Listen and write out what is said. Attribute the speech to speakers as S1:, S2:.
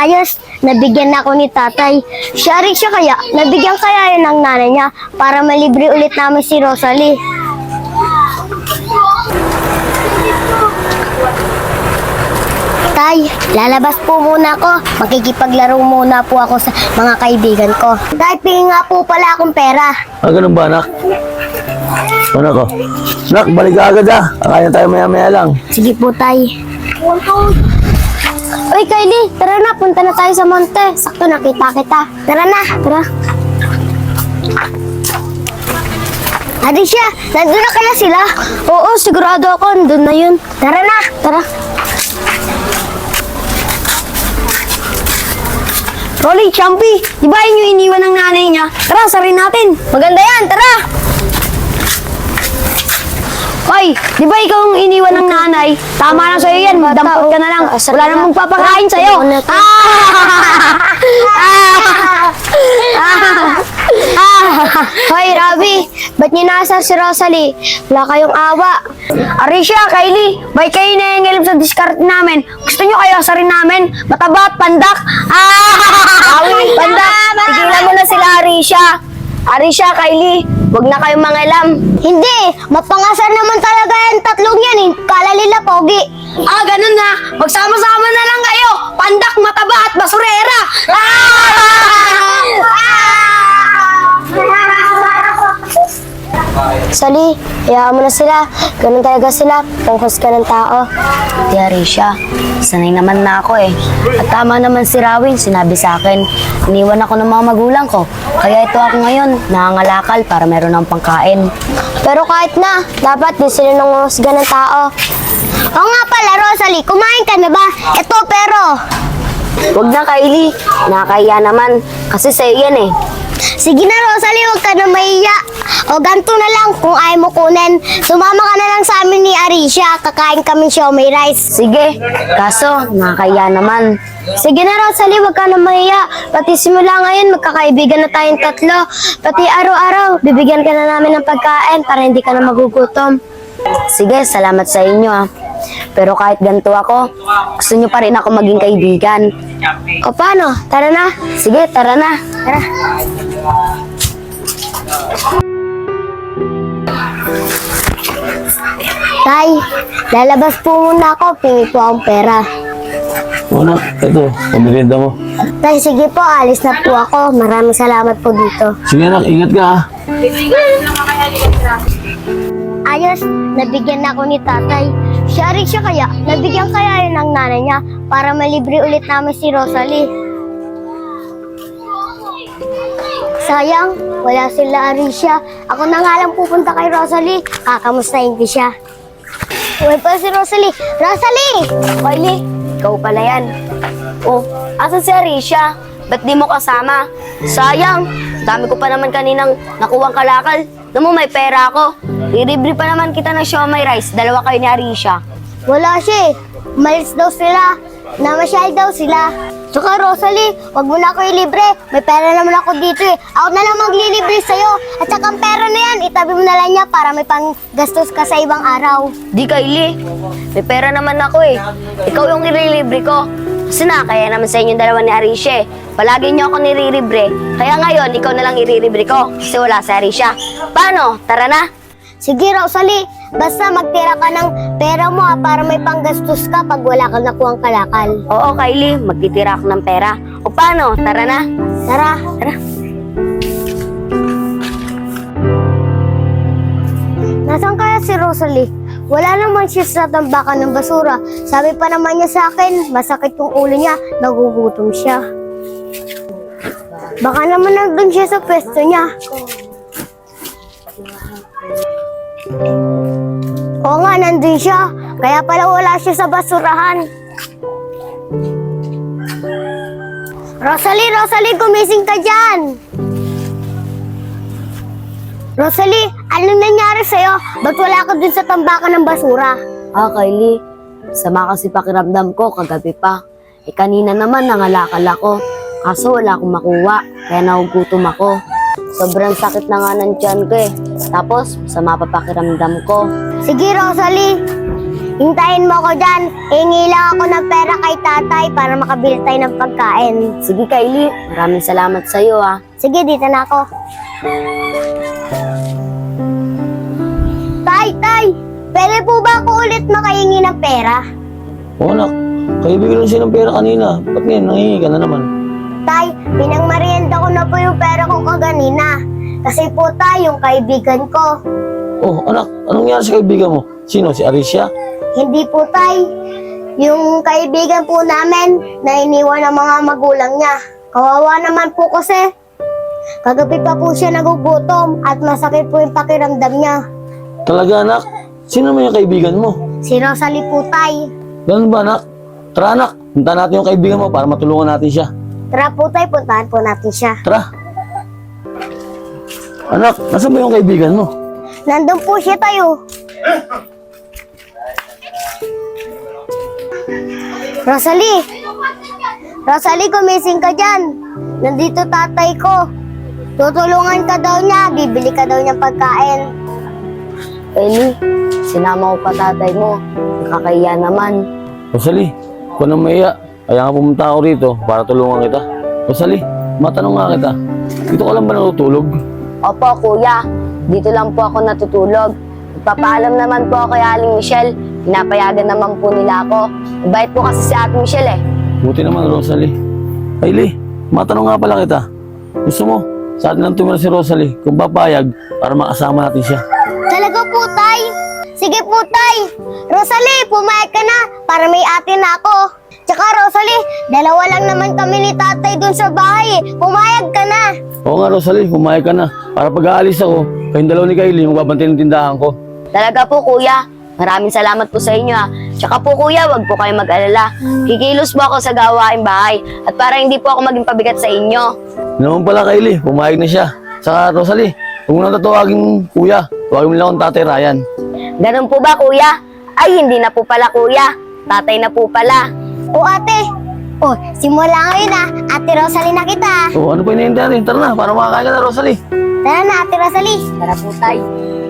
S1: Ayos, nabigyan na ako ni tatay. Siya rin siya kaya, nabigyan kaya yun ng nanay niya para malibre ulit namin si Rosalie. Tay, lalabas po muna ako. Makikipaglaro muna po ako sa mga kaibigan ko. Tay, pingin nga po pala akong pera.
S2: Ganun ba, anak? Anak ko. Anak, balik ka agad ah. Kakain tayo maya-maya lang.
S1: Sige po, tay. Uy, Kylie, tara na, punta na tayo sa monte. Sakto nakita kita. Tara na, tara. Alicia, nandun na kaya sila? Oo, sigurado ako, nandun na yun. Tara na, tara. Rolly, Champy, di ba yun yung iniwan ng nanay niya? Tara, sarin natin. Maganda yan, tara. Hoy, di ba ikaw ang iniwan ng nanay? Tama na sa'yo yan, magdampot ka na lang. Wala namang magpapakain sa'yo. Hoy, Rabi, ba't niyo nasa si Rosalie? Wala kayong awa. Arisha, Kylie, ba't kayo nangyayalim sa discard namin? Gusto nyo kayo asarin namin? Mataba at pandak? Pandak, tigilan mo na sila, Arisha. Arisha, Kylie, wag na kayong mangialam. Hindi, mapangasar naman talaga yung tatlong yan eh. Kala nila pogi. Ganun na. Magsama-sama na lang kayo. Pandak, mataba at basurera. Sali, hayaan mo na sila. Ganun talaga sila. Pangkos ka ng tao.
S3: Di Arisha, sanay naman na ako eh. At tama naman si Rawin, sinabi sa akin, iniwan ako ng mga magulang ko. Kaya ito ako ngayon, nangangalakal para meron ng pangkain.
S1: Pero kahit na, dapat din sila nanguhusga ng tao. Oo nga pala, Rosalie, kumain ka na ba? Ito, pero...
S3: Huwag na, Kylie. Nakakahiya naman. Kasi sa'yo yan eh.
S1: Sige na, Rosalie, huwag ka na mahiya. O ganito na lang, kung ayaw mo kunin, sumama ka na lang sa amin ni Arisha. Kakain kami siomay rice.
S3: Sige, kaso nakakahiya naman.
S1: Sige na, Rosalie, huwag ka na mahiya. Pati simula ngayon, magkakaibigan na tayong tatlo. Pati araw-araw, bibigyan ka na namin ng pagkain para hindi ka na magugutom.
S3: Sige, salamat sa inyo ah. Pero kahit ganito ako, gusto nyo pa rin ako maging kaibigan.
S1: O paano? Tara na.
S3: Sige, tara na.
S1: Tara. Tay, lalabas po muna ako. Pingi po akong pera.
S2: Anak, ito, pamirinda mo.
S1: Tay, sige po. Alis na po ako. Maraming salamat po dito.
S2: Sige anak, ingat ka ah.
S1: Ayos, nabigyan na ako ni tatay. Siya rin siya kaya, nabigyan kaya yun ng nanay niya para malibre ulit namin si Rosalie. Sayang, wala sila Arisha. Ako na nga lang pupunta kay Rosalie. Kakamustahin ko siya. Uy pa si Rosalie. Rosalie!
S3: Kylie, ikaw pala yan. Oh, asan si Arisha? Ba't di mo kasama? Sayang, dami ko pa naman kaninang nakuwang kalakal. Alam mo, may pera ako. Iribre pa naman kita ng siomay rice. Dalawa kayo ni Arisha.
S1: Wala siya eh. Umalis daw sila. Namasyal daw sila. Tsaka Rosalie, wag mo na ako ilibre. May pera naman ako dito eh. Ako na lang maglilibre sa'yo. At saka ang pera na yan, itabi mo na lang niya para may panggastos ka sa ibang araw.
S3: Di Kylie, may pera naman ako eh. Ikaw yung irilibre ko. Kasi na, kaya naman sa inyong dalawa ni Arisha eh. Palagi niyo ako nirilibre. Kaya ngayon, ikaw na lang irilibre ko. Kasi wala si Arisha. Paano? Tara na.
S1: Sige Rosalie, basta magtira ka ng pera mo para may panggastos ka pag wala kang nakuhang kalakal.
S3: Oo, Kylie, magtitira ako ng pera. O paano? Tara na.
S1: Tara.
S3: Tara.
S1: Nasaan kaya si Rosalie? Wala naman siya sa tambakan ng basura. Sabi pa naman niya sa akin, masakit yung ulo niya, nagugutom siya. Baka naman nandun siya sa pwesto niya. Oo nga, nandun siya. Kaya pala wala siya sa basurahan. Rosalie, Rosalie, gumising ka dyan! Rosalie, anong nangyari sa'yo? Ba't wala ka dun sa tambakan ng basura?
S3: Kylie, sama kasi pakiramdam ko kagabi pa. Kanina naman nangalakal ako. Kaso wala akong makuha, kaya nagugutom ako. Sobrang sakit na nga ng tiyan ko eh. Tapos, sama pa pakiramdam ko.
S1: Sige, Rosalie. Hintayin mo ako dyan. Hingi lang ako ng pera kay tatay para makabili tayo ng pagkain.
S3: Sige, Kylie. Maraming salamat sa'yo, ah.
S1: Sige, dito na ako. Tay! Pwede po ba ako ulit makahingi ng pera?
S2: Oo anak, kaibigan lang siya ng pera kanina. Ba't ngayon, nangingi ka na naman?
S1: Tay, pinangmarienda ko na po yung pera ko kaganina. Kasi po tay, yung kaibigan ko.
S2: Oh anak, anong nangyari sa kaibigan mo? Sino, si Arisha?
S1: Hindi po tay. Yung kaibigan po namin na iniwan ng mga magulang niya. Kawawa naman po kasi. Kagabi pa po siya nagugutom at masakit po yung pakiramdam niya.
S2: Talaga anak, sino naman yung kaibigan mo?
S1: Si Rosalie po tay.
S2: Ganun ba anak? Tara anak, punta natin yung kaibigan mo para matulungan natin siya.
S1: Tara po tay, puntahan po natin siya.
S2: Tara. Anak, nasaan ba yung kaibigan mo?
S1: Nandun po siya tayo. Rosalie! Rosalie, gumising ka dyan. Nandito tatay ko. Tutulungan ka daw niya, bibili ka daw niya pagkain.
S3: Kylie, sinama ko pa tatay mo. Nakakahiya naman.
S2: Rosalie, kung nang maiya, kaya nga pumunta ako rito para tulungan kita. Rosalie, matanong nga kita, dito ka lang ba natutulog?
S3: Opo, kuya. Dito lang po ako natutulog. Papaalam naman po ako kay Aling Michelle. Pinapayagan naman po nila ako. Mabait po kasi si Ate Michelle eh.
S2: Buti naman, Rosalie. Kylie, matanong nga pala kita. Gusto mo, sa atin lang tumira si Rosalie kung papayag para makasama natin siya.
S1: Talaga po, tay? Sige po, tay. Rosalie, pumayag ka na para may ate na ako. Tsaka, Rosalie, dalawa lang naman kami ni tatay dun sa bahay. Pumayag ka na.
S2: Oo nga, Rosalie, pumayag ka na. Para pag-aalis ako, kayong dalawa ni Kylie, magbabantayan ng tindahan ko.
S3: Talaga po, kuya. Maraming salamat po sa inyo, ah. Tsaka po, kuya, wag po kayo mag-alala. Kikilos po ako sa gawaing bahay at para hindi po ako maging pabigat sa inyo.
S2: Naman pala, Kylie, pumayag na siya. Saka, Rosalie, huwag mo nang tatawagin kuya. Tawagin mo lang akong Tatay Ryan.
S3: Ganun po ba, kuya? Ay, hindi na po pala, kuya. Tatay na po pala.
S1: O ate. O, simula ngayon ah. Ate Rosalie na kita.
S2: So, ano pa hinihintay natin? Tara na, para makakain ka na, Rosalie.
S1: Tara na, Ate Rosalie.
S3: Tara po, tay.